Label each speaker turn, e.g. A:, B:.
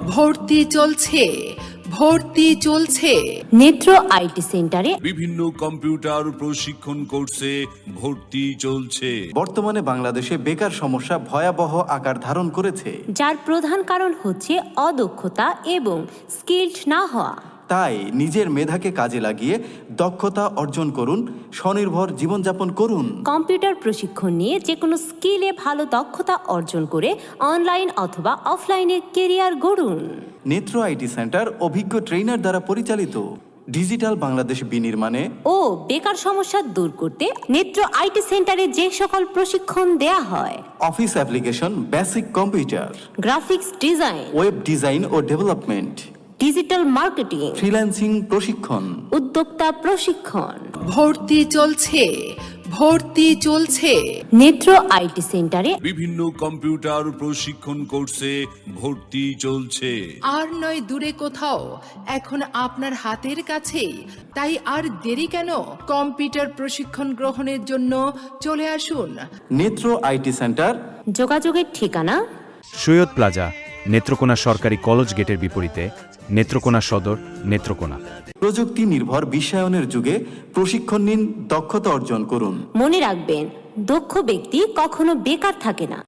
A: ভর্তি চলছে, ভর্তি চলছে।
B: নেত্র আইটি সেন্টারে
C: বিভিন্ন কম্পিউটার প্রশিক্ষণ কোর্সে ভর্তি চলছে।
D: বর্তমানে বাংলাদেশে বেকার সমস্যা ভয়াবহ আকার ধারণ করেছে,
B: যার প্রধান কারণ হচ্ছে অদক্ষতা এবং স্কিলড না হওয়া।
D: তাই নিজের মেধাকে কাজে লাগিয়ে দক্ষতা অর্জন করুন, স্বনির্ভর জীবনযাপন করুন।
B: কম্পিউটার প্রশিক্ষণ নিয়ে যে কোনো স্কিলে ভালো দক্ষতা অর্জন করে অনলাইন অথবা অফলাইনে কেরিয়ার গড়ুন।
D: নেত্র আইটি সেন্টার অভিজ্ঞ ট্রেনার দ্বারা পরিচালিত। ডিজিটাল বাংলাদেশ বিনির্মাণে
B: ও বেকার সমস্যা দূর করতে নেত্র আইটি সেন্টারে যে সকল প্রশিক্ষণ দেয়া হয়:
D: office application, basic computer,
B: graphics design,
D: web design ও ডেভেলপমেন্ট,
B: ডিজিটাল মার্কেটিং,
D: ফ্রিল্যান্সিং প্রশিক্ষণ,
B: উদ্যোক্তা প্রশিক্ষণ।
A: ভর্তি চলছে, ভর্তি চলছে।
B: নেত্র আইটি সেন্টারে
C: বিভিন্ন কম্পিউটার প্রশিক্ষণ কোর্সে ভর্তি চলছে।
A: আর নয় দূরে কোথাও, এখন আপনার হাতের কাছেই। তাই আর দেরি কেন? কম্পিউটার প্রশিক্ষণ গ্রহণের জন্য চলে আসুন
D: নেত্র আইটি সেন্টার।
B: যোগাযোগের ঠিকানা:
E: সৈয়দ প্লাজা, নেত্রকোনা সরকারি কলেজ গেটের বিপরীতে, নেত্রকোনা সদর, নেত্রকোনা।
D: প্রযুক্তি নির্ভর বিশ্বায়নের যুগে প্রশিক্ষণ নিন, দক্ষতা অর্জন করুন।
B: মনে রাখবেন, দক্ষ ব্যক্তি কখনো বেকার থাকে না।